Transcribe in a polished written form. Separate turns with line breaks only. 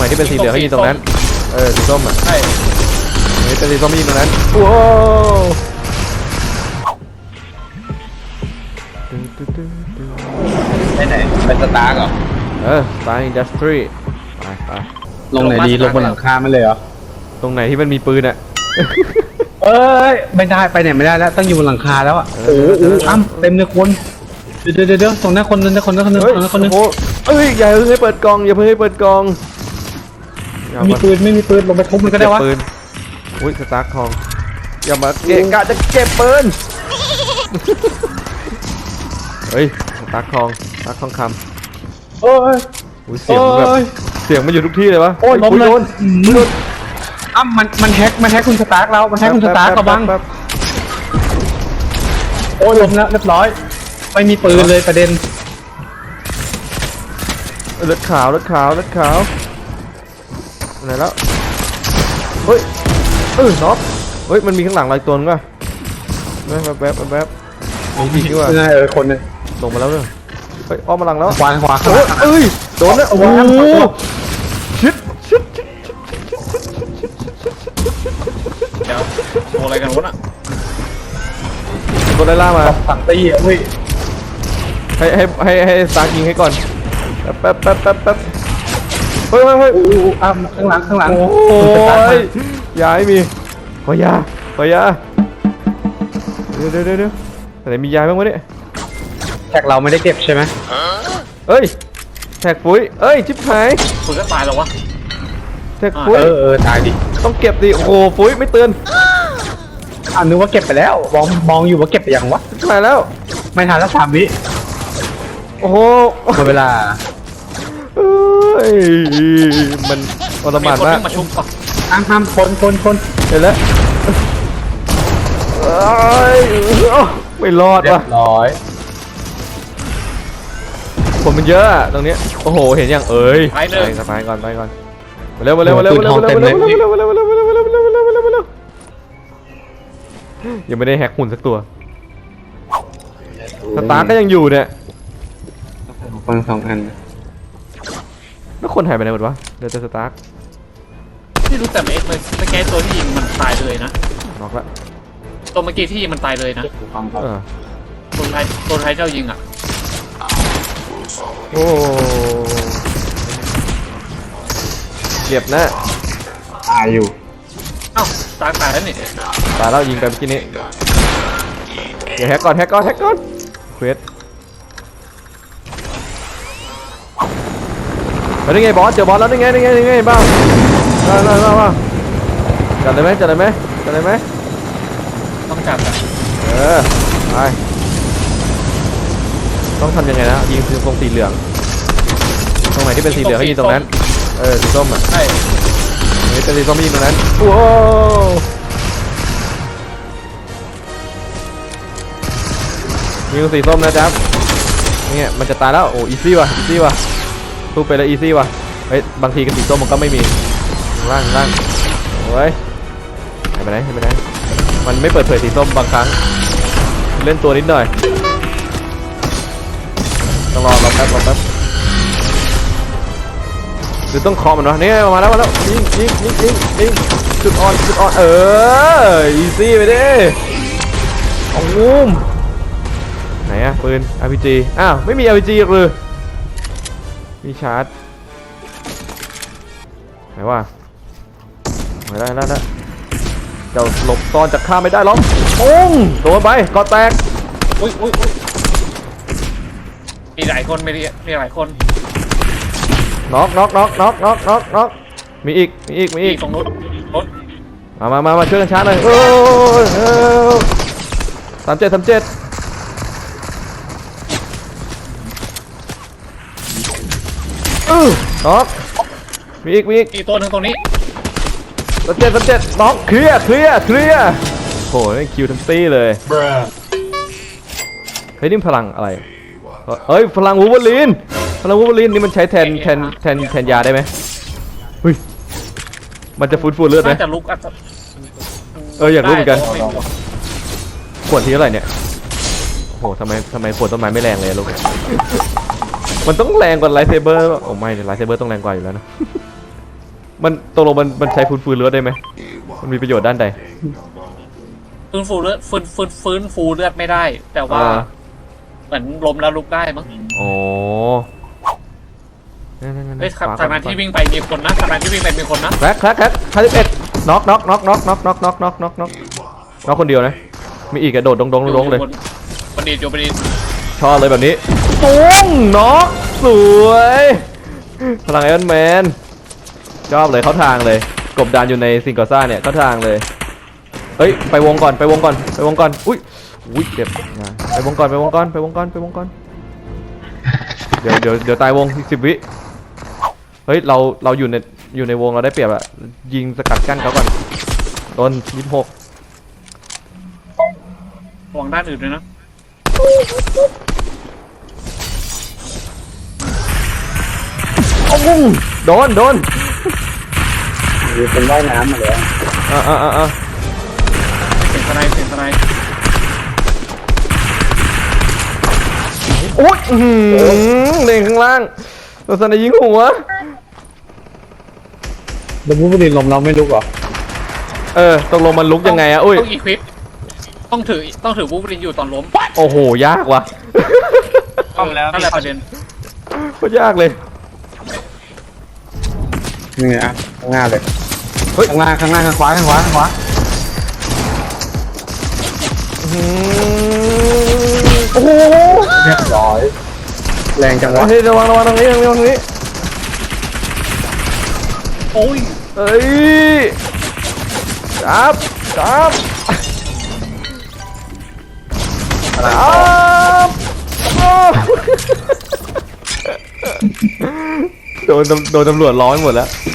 ไหนที่เป็นสีเหลืองให้ยิงตรงนั้นสีส้มอ่ะ
ใช่
เป็นสีส้มให้ยิงตรงนั้นโอ้
ไปไหนเป็นสตาร์กเหรอ
สตาร์อินดัสทรีไป
ลงไหนดีลงบนหลังคาไม่เลยเหรอ
ตรงไหนที่มันมีปืนอ่ะ
เอ้ยไม่ได้ไปไหนไม่ได้แล้วต้องอยู่บนหลังคาแล้วอ่ะโอ้โหอ้ำเต็มเลยคนเดี๋ยวตรงหน้าคนนึงคนนึง
อย่าเพิ่งให้เปิดกล่องอย่าเพิ่งให้เปิดกล่อง
ไม่มีปืนลงไปทุบมันก็ได้วะ
ปืนอุ้ยสตาร์ททองอย่ามาเกะกะจะเก็บปืนเฮ้ยสตาร์ททองคำ
โอ้ย
เสียงแบบเสียงมันอยู่ทุกที่เลยวะ
โอ้ยล้มเลยอ้ำมันแฮกคุณสตาร์กเรามันแฮกคุณสตาร์กกระบังโอ้ยล้มแล้วเรียบร้อยไม่มีปืนเลยประเด็น
เลือดขาวไหนแล้วเฮ้ยน็อกเฮ้ยมันมีข้างหลังลายตัวนึงป่ะแป๊บมีดีกว่า
คนนึง
ลงมาแล้วเนี่ยเฮ้ยอ้อมมาหลังแล้ว
ขวา
โดนแล้วโอ้โหชิด
เดี๋ยวโอะไรกันวะน่ะ
โดนไล่ล่ามา
สั่งตีเฮ้ย
ให้สตาร์ยิงให้ก่อนแป๊บเฮ้ย
ข้างหลัง
โอ้ยยาไม่มีขอยาเดี๋ยวไหนมียาบ้างวะเนี่ย
แท็กเราไม่ได้เก็บใช่ไหม
เอ้ยแท็กปุ๋ยชิบหาย
ปุ๋ยก็ตายแล้ววะ
แท็กปุ๋ย
ตายดิ
ต้องเก็บดิโอ้โหปุ๋ยไม่เตือน
นึกว่าเก็บไปแล้วมองอยู่ว่าเก็บไปยังวะ
ตายแล้ว
ไม่ทันแล้ว3 วิ
โอ้โห
หมดเวลา
มันอลหม่านมาก
ห้ามคน
เห็นแล้วไม่รอดว่ะผมมันเยอะตรงนี้โอ้โหเห็นยังไปก่อนเร็วยังไม่ได้แฮกหุ่นสักตัวสตาร์ก็ยังอยู่เนี่ย
ฟัง2 อัน
แล้วคนหายไปไหนหมดวะเดี๋ยวจะสตาร์
ที่รู้แต่เอ็กเลยสแกนตัวที่ยิงมันตายเลยนะ
น็อกละ
ตัวเมื่อกี้ที่มันตายเลยนะตัวไทยเจ้ายิงอ่ะ
โอ้เจ็บนะ
ตายอยู่
เอ้าตายแล้วนี่
ตายแล้วยิงไปเมื่อกี้นี้เดี๋ยวแฮกก่อนเควสนี่ไงบอสเจอบอสแล้วนี่ไงบ้างจัดเลยไหม
ต้องจับอ่ะ
ไปต้องทำยังไงนะยิงตรงสีเหลืองตรงไหนที่เป็นสีเหลืองให้ยิงตรงนั้นสีส้มอ่ะ
ใช่
เป็นสีส้มยิงตรงนั้นโอ้ยิงสีส้มนะจ๊บนี่มันจะตายแล้วโอ้อีซี่ว่ะสู้ไปแล้วอีซี่ว่ะเฮ้ยบางทีกับสีส้มมันก็ไม่มีล่างโอ้ยไปไหนมันไม่เปิดเผยสีส้มบางครั้งเล่นตัวนิดหน่อยต้องรอแป๊บหรือต้องคอมันวะนี่มาแล้วยิงจุดอ่อนอีซี่ไปดิโอ้โหไหนอะปืน RPG อ้าวไม่มี RPG หรือมีชาร์จไหนวะไม่ได้แล้วเจ้าหลบตอนจากข้าไม่ได้หรอกปุ้งโดนไปกอแตก
อุ้ยมีหลายคนมีหลายคน
น็อกมีอีก
ตรงนู้น
มาช่วยกันชาร์จเลย37น็อกมีอีก
ตัวนึงตรงนี้
37น็อกเคลียร์โอ้ยคิวทั้งตี้เลยเฮ้ยนี่พลังอะไรเฮ้ยพลังวูล์ฟเวอรีนนี่มันใช้แทนยาได้ไหมเฮ้ยมันจะฟื้นเลือดไหม
จะลุก
อยากรู้เหมือนกันขวดที่เท่าไหร่เนี่ยโอ้ทำไมขวดต้นไม้ไม่แรงเลยลูกมันต้องแรงกว่าไลท์เซเบอร์โอ้ไม่ไลท์เซเบอร์ต้องแรงกว่าอยู่แล้วนะมันตกลงมันใช้ฟื้นเลือดได้ไหมมันมีประโยชน์ด้านใด
ฟื้นฟูเลือดฟื้นฟูเลือดไม่ได้ แต่ว่าเหมือนล้มแล้วลุกได้มั้ง
โอ้
เฮ้ยทางนั้นที่วิ่งไปมีคนนะทางนั้นที่วิ่งไปมีคนนะ
แคร็ก51น็อกน็อกคนเดียวนะมีอีกกระโดดดงเลย
บันดีดอยู่บันดีด
ชอบเลยแบบนี้ปุ้งน็อกสวยพลังไอรอนแมนชอบเลยเข้าทางเลยกบดานอยู่ในซิงกอซ่าเนี่ยเข้าทางเลยเฮ้ยไปวงก่อนอุ้ยเจ็บไปวงก่อนเดี๋ยวตายวงอีก10 วิเฮ้ยเราอยู่ในวงเราได้เปรียบอะยิงสกัดกั้นเขาก่อนโดน26
ระวังด้านอื่นด้วยนะ
โดน
มีคนว่ายน้ำมาแล้ว
เสียงสไนด์
อุ้ยเด้งข้างล่างโดนสไนยิงหัว
แล้วผู้บริลมเราไม่ลุกเหรอ
ตกลงมันลุกยังไงอะอุ้ย
ต้องอีควิปต้องถือวูบลินอยู่ตอนล้ม
โอ้โหยากว่ะ
ต้องแล้วนั่นแหละประเด็น
โคตรยากเลย
นี่ไงอ่ะข้างหน้าเลย
เฮ้ย
ข้างล่างข้างขวา
โอ้โห
เรียบร้อยแรงจังวะ
เฮ้ยระวังตรงนี้
โอ้ย
เอ้ยจับโดนตำรวจร้องหมดแล้ว